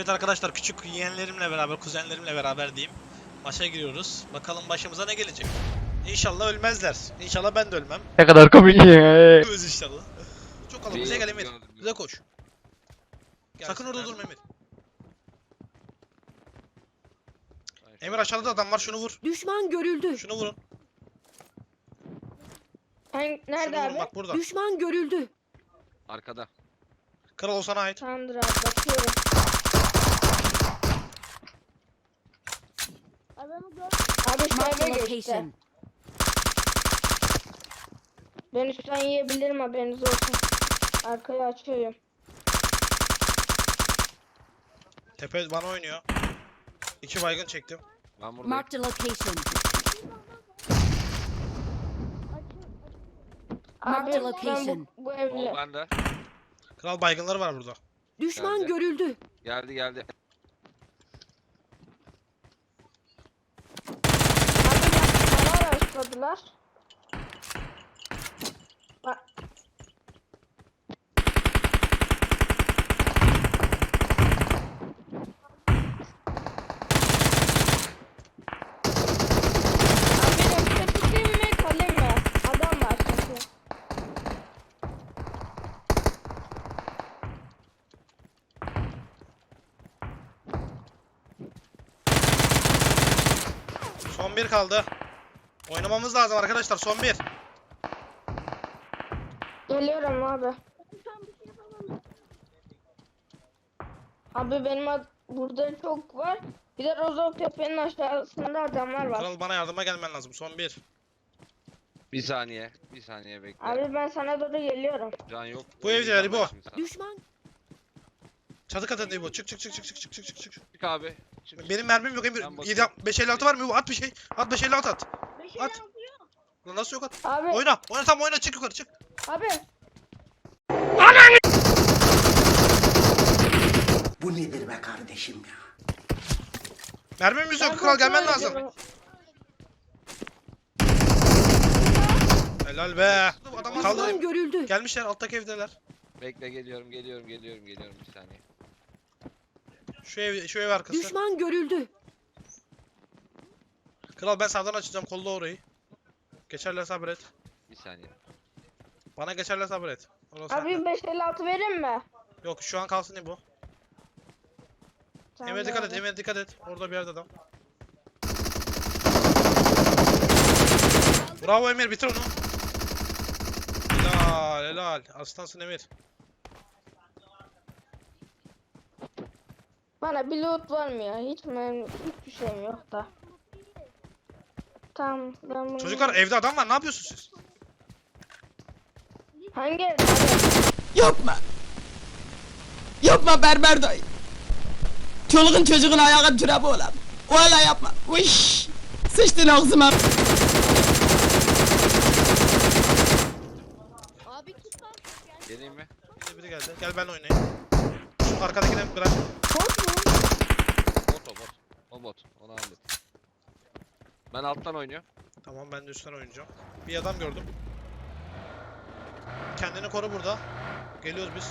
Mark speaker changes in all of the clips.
Speaker 1: Evet arkadaşlar, küçük yeğenlerimle beraber, kuzenlerimle beraber diyeyim. Maça giriyoruz. Bakalım başımıza ne gelecek. İnşallah ölmezler. İnşallah ben de ölmem.
Speaker 2: Ne kadar komik ya.
Speaker 1: Ölmez inşallah. Çok kalın. Bize gel Emir. Bize koş. Sakın orada durma Emir. Emir aşağıda da adam var. Şunu vur.
Speaker 3: Düşman görüldü.
Speaker 1: Şunu vurun.
Speaker 4: Nerede
Speaker 1: Şunu vurun
Speaker 4: abi?
Speaker 1: bak burada.
Speaker 3: Düşman görüldü.
Speaker 5: Arkada.
Speaker 1: Kral o sana ait.
Speaker 4: Tamamdır abi bakıyorum. Abi
Speaker 3: Marked a
Speaker 4: şöyle geçti.
Speaker 3: location.
Speaker 4: Ben üstten yiyebilirim, haberiniz olsun. Arkayı açıyorum.
Speaker 1: Tepe bana oynuyor. 2 baygın çektim.
Speaker 5: Ben buradayım.
Speaker 3: Marked a location. Marked a
Speaker 4: Ben
Speaker 3: location.
Speaker 4: bu
Speaker 5: O
Speaker 4: evde.
Speaker 5: bende.
Speaker 1: Kral baygınları var burada.
Speaker 3: Düşman
Speaker 5: Geldi.
Speaker 3: görüldü.
Speaker 5: Geldi geldi.
Speaker 4: Abi bana araçladılar. Bak. Abi yoksa tutayım mı kalayım mı? Adam var çünkü.
Speaker 1: Son bir kaldı. Oynamamız lazım arkadaşlar. Son bir.
Speaker 4: Geliyorum abi. Abi benim burada çok var. Bir de Rozok Tepe'nin aşağısında adamlar var.
Speaker 1: Kral bana yardıma gelmen lazım. Son bir.
Speaker 5: Bir saniye. Bir saniye bekle.
Speaker 4: Abi ben sana doğru geliyorum.
Speaker 5: Can yok.
Speaker 1: Bu evdeler, İbo.
Speaker 3: Düşman
Speaker 1: Çatı katında bu. Çık çık çık çık çık çık çık çık.
Speaker 5: Çık abi. Çık.
Speaker 1: Benim mermim yok Emir.
Speaker 5: Ben
Speaker 1: 7
Speaker 5: bakıyorum.
Speaker 1: 556 var mı? Bu at bir şey. At 556 at. At. Lan nasıl yok at?
Speaker 4: Abi,
Speaker 1: Oyna. Oyna tam oyna, çık yukarı çık.
Speaker 4: abi.
Speaker 6: Bu nedir be kardeşim ya?
Speaker 1: Mermimiz
Speaker 4: Ben
Speaker 1: yok. Kral gelmen
Speaker 4: kontrol
Speaker 1: lazım.
Speaker 4: ediyorum.
Speaker 1: Helal be. Adam
Speaker 3: düşman
Speaker 1: kaldı.
Speaker 3: görüldü.
Speaker 1: Gelmişler, alttaki evdeler.
Speaker 5: Bekle geliyorum bir saniye.
Speaker 1: Şu ev arkası.
Speaker 3: Düşman görüldü.
Speaker 1: Kral ben sağdan açacağım, kolla orayı. Geçerler sabret.
Speaker 5: Bir saniye.
Speaker 1: Bana geçerler sabret. Orası
Speaker 4: Abi
Speaker 1: sende.
Speaker 4: 556 vereyim mi?
Speaker 1: Yok şu an kalsın İbo.
Speaker 4: Tamam
Speaker 1: Emre dikkat et,
Speaker 4: abi.
Speaker 1: Emre dikkat et. Orada bir yerde adam. Bravo Emir, bitir onu. Helal helal. Aslansın Emir.
Speaker 4: Bana bir loot var mı ya? Hiçbir şeyim yok da. Tamam ben bunu...
Speaker 1: Çocuklar evde adam var, ne yapıyorsunuz siz?
Speaker 4: Hangi evde abi?
Speaker 6: Yapma! Yapma berber dayı! Çoluğun çocuğun ayağı türebi olan. Valla yapma! Vış! Sıçtın ağzıma!
Speaker 5: Geleyim mi?
Speaker 1: Biri geldi. Gel ben oynayayım. Şu arkadakini bırak.
Speaker 4: Bot mu?
Speaker 5: Bot o bot. O bot. Onu hallet. Ben alttan oynuyorum.
Speaker 1: Tamam, ben de üstten oynayacağım. Bir adam gördüm. Kendini koru burada. Geliyoruz biz.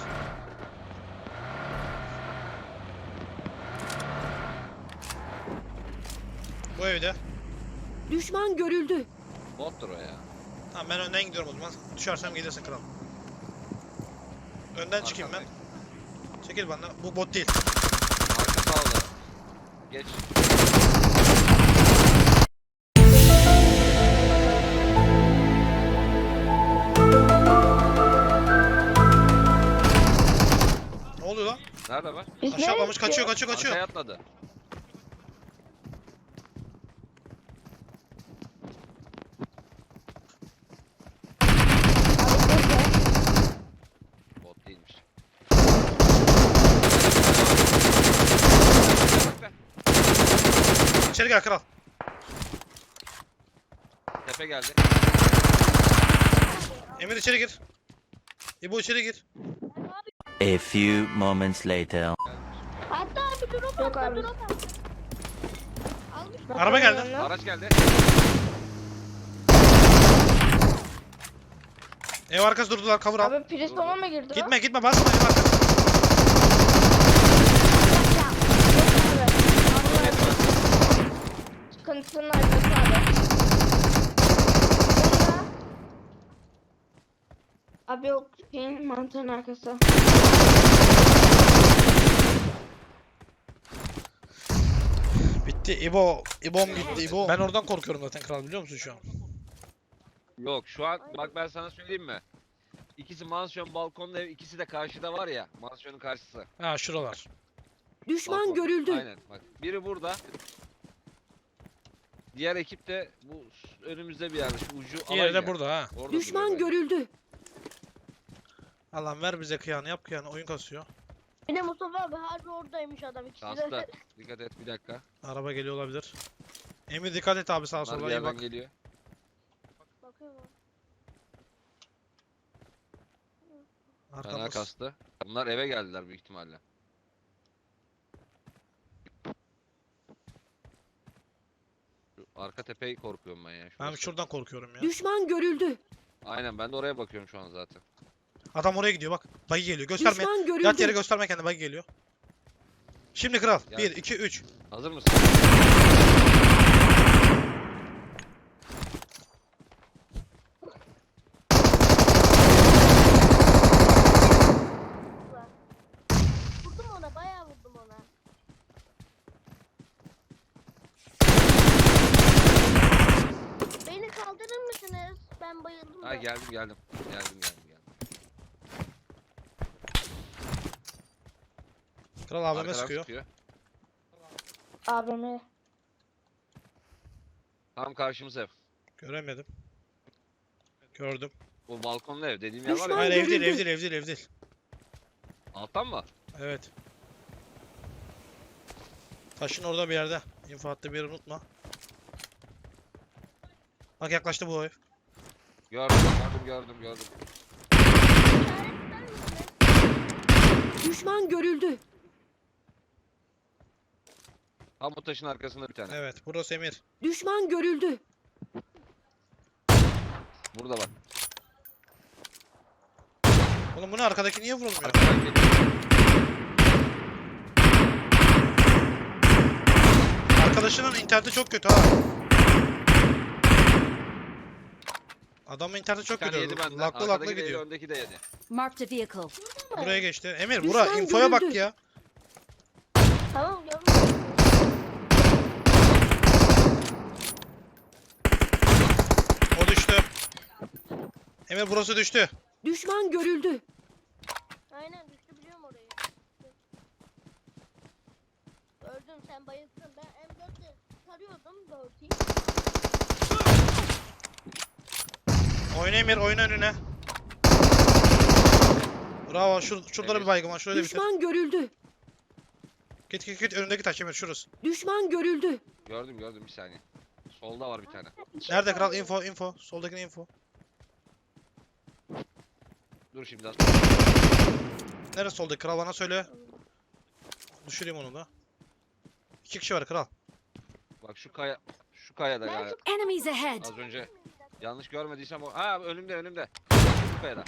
Speaker 1: Bu evde.
Speaker 3: Düşman görüldü.
Speaker 5: Bottur o ya.
Speaker 1: Tamam, ben önden gidiyorum o zaman. Düşersem gelirsin kral. Önden çıkayım ben.
Speaker 5: Arkandayım.
Speaker 1: Çekil bana. Bu bot değil.
Speaker 5: Arka sağda. Geç.
Speaker 1: Ne oluyor lan?
Speaker 5: Nerede var?
Speaker 4: Biz
Speaker 1: Aşağı atlamış,
Speaker 4: nereye
Speaker 1: kaçıyor kaçıyor kaçıyor.
Speaker 5: Arkaya atladı. Bot değilmiş.
Speaker 1: İçeri gel kral.
Speaker 5: Tepe geldi.
Speaker 1: Emir içeri gir. İbo içeri gir.
Speaker 7: A few moments later.
Speaker 4: Yok abi.
Speaker 1: Araba geldi.
Speaker 4: Yanına.
Speaker 5: Araç geldi.
Speaker 1: Ev arkası durdular, cover al.
Speaker 4: Abi Priston'a mı girdi lan?
Speaker 1: Gitme gitme, basma ev arkası.
Speaker 4: akıntının arkası abi. Sonra... Abi yok şeyin mantığın arkası.
Speaker 1: Bitti. İbom gitti İbo. Ben oradan korkuyorum zaten kral, biliyor musun şu an?
Speaker 5: Yok şu an bak ben sana söyleyeyim mi? İkisi mansiyon balkonda ev, ikisi de karşıda var ya. Mansiyonun karşısı.
Speaker 1: Ha şuralar.
Speaker 3: Düşman
Speaker 5: Balkon.
Speaker 3: görüldü.
Speaker 5: Aynen bak. Biri burada. Diğer ekip de bu önümüzde bir yerde. Şu ucu
Speaker 1: Diğeri
Speaker 5: alayım
Speaker 1: de
Speaker 5: ya.
Speaker 1: burada ha.
Speaker 5: Orada
Speaker 3: Düşman
Speaker 5: duruyor bence.
Speaker 3: görüldü.
Speaker 1: Allah'ım ver bize kıyanı, yap kıyanı, oyun kasıyor.
Speaker 2: Bir de Mustafa abi harbi oradaymış adam ikisi de.
Speaker 5: Kastı. Dikkat et bir dakika.
Speaker 1: Araba geliyor olabilir. Emir dikkat et abi, sağa
Speaker 5: Bunlar bir
Speaker 1: sola iyi
Speaker 5: yerden
Speaker 1: bak.
Speaker 5: geliyor.
Speaker 2: Bakıyorum abi.
Speaker 5: Fena
Speaker 1: Arkamız.
Speaker 5: kastı. Bunlar eve geldiler büyük ihtimalle. Şu arka tepeyi korkuyorum ben ya.
Speaker 1: Ben
Speaker 5: şurası.
Speaker 1: şuradan korkuyorum ya.
Speaker 3: Düşman görüldü.
Speaker 5: Aynen ben de oraya bakıyorum şu an zaten.
Speaker 1: Adam oraya gidiyor bak. Buggy geliyor. Gösterme.
Speaker 3: Düşman
Speaker 1: Yat yere
Speaker 3: görüldü.
Speaker 1: gösterme kendini, buggy geliyor. Şimdi kral.
Speaker 5: Gel.
Speaker 1: 1, 2, 3.
Speaker 5: Hazır mısın?
Speaker 2: Vurdum ona bayağı vurdum ona. Beni kaldırır mısınız? Ben bayıldım
Speaker 5: Ha
Speaker 2: da.
Speaker 5: geldim. Geldim.
Speaker 1: Kral AVM
Speaker 5: Arkadan
Speaker 1: sıkıyor.
Speaker 5: sıkıyor.
Speaker 4: AVM.
Speaker 5: Tam karşımız ev.
Speaker 1: Göremedim. Gördüm.
Speaker 5: O balkonlu ev dediğim yer var
Speaker 3: Düşman
Speaker 5: ya.
Speaker 1: Hayır, ev değil, ev
Speaker 3: görüldü.
Speaker 1: değil, ev değil, ev değil.
Speaker 5: Alttan mı?
Speaker 1: Evet. Taşın orada bir yerde. İnfo hattı bir yeri unutma. Bak yaklaştı bu ev.
Speaker 5: Gördüm.
Speaker 3: Düşman görüldü.
Speaker 5: Tam bu taşın arkasında bir tane.
Speaker 1: Evet, burası Emir.
Speaker 3: Düşman görüldü.
Speaker 5: Burada bak.
Speaker 1: Oğlum bu ne, arkadaki niye vurulmuyor?
Speaker 5: Arkadan geliyor.
Speaker 1: Arkadaşının interneti çok kötü ha. Adamın interneti çok
Speaker 5: Bir tane
Speaker 1: kötü.
Speaker 5: yedi benden.
Speaker 1: Laklı laklı
Speaker 5: Arkadaki de yedi,
Speaker 1: gidiyor.
Speaker 5: öndeki de yedi.
Speaker 3: Marked a vehicle.
Speaker 1: Buraya geçti. Emir
Speaker 3: Düşman
Speaker 1: bura infoya bak
Speaker 3: görüldü.
Speaker 1: ya.
Speaker 2: Tamam gördüm.
Speaker 1: O düştü. Emir burası düştü.
Speaker 3: Düşman görüldü.
Speaker 2: Aynen düştü biliyorum orayı. Gördüm sen bayıldın. Ben M4'le tarıyordum 4'ü.
Speaker 1: Oyna Emir, oyna önüne. Bravo, şurada bir baygın var. Şurayı da bitir.
Speaker 3: Düşman görüldü.
Speaker 1: Git önündeki taş Emir, şurası.
Speaker 3: Düşman görüldü.
Speaker 5: Gördüm bir saniye. Solda var bir tane.
Speaker 1: Nerede kral? Info. Soldakine info.
Speaker 5: Dur şimdi az.
Speaker 1: Neresi soldaki kral, bana söyle. Düşüreyim onu da. 2 kişi var kral.
Speaker 5: Bak şu kayada galiba.
Speaker 3: Enemies ahead.
Speaker 5: Az önce. Yanlış görmediysem o. Ha önümde. Şu kayada.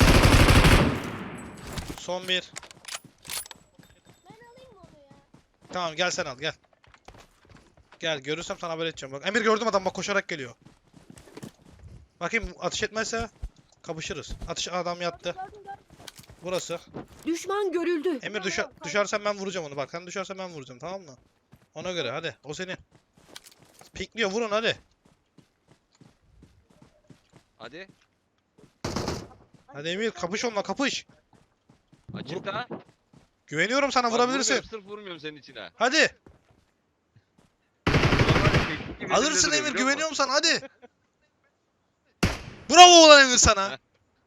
Speaker 1: Son bir.
Speaker 2: Ben alayım mı onu ya?
Speaker 1: Tamam gel sen al gel. Gel, görürsem sana haber edeceğim bak. Emir gördüm, adam bak koşarak geliyor. Bakayım ateş etmezse kapışırız. Adam yattı.
Speaker 2: Gördüm.
Speaker 1: Burası.
Speaker 3: Düşman görüldü.
Speaker 1: Emir düşersen ben vuracağım onu bak. Sen düşersen ben vuracağım, tamam mı? Ona göre hadi. O senin. Pikliyor, vurun hadi.
Speaker 5: Hadi.
Speaker 1: Hadi Emir, kapış onunla, kapış.
Speaker 5: Açıkta.
Speaker 1: Güveniyorum sana,
Speaker 5: Bak,
Speaker 1: vurabilirsin.
Speaker 5: vurmuyorum, sırf vurmuyorum senin içine.
Speaker 1: Hadi.
Speaker 5: Normalde teknik gibi
Speaker 1: Alırsın
Speaker 5: duruyor,
Speaker 1: Emir,
Speaker 5: biliyor musun?
Speaker 1: güveniyorum sana, hadi. Bravo ulan Emir sana.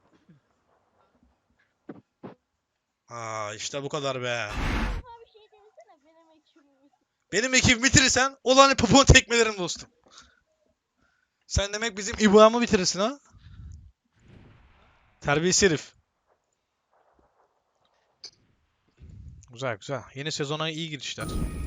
Speaker 1: Aa işte bu kadar be.
Speaker 2: Abi şey denesene benim ekibim.
Speaker 1: Benim ekibimi bitirirsen olan popon tekmelerim dostum. Sen demek bizim İbrahim'i bitirirsin ha? Terbiyesiz herif. Güzel. Yeni sezona iyi girişler.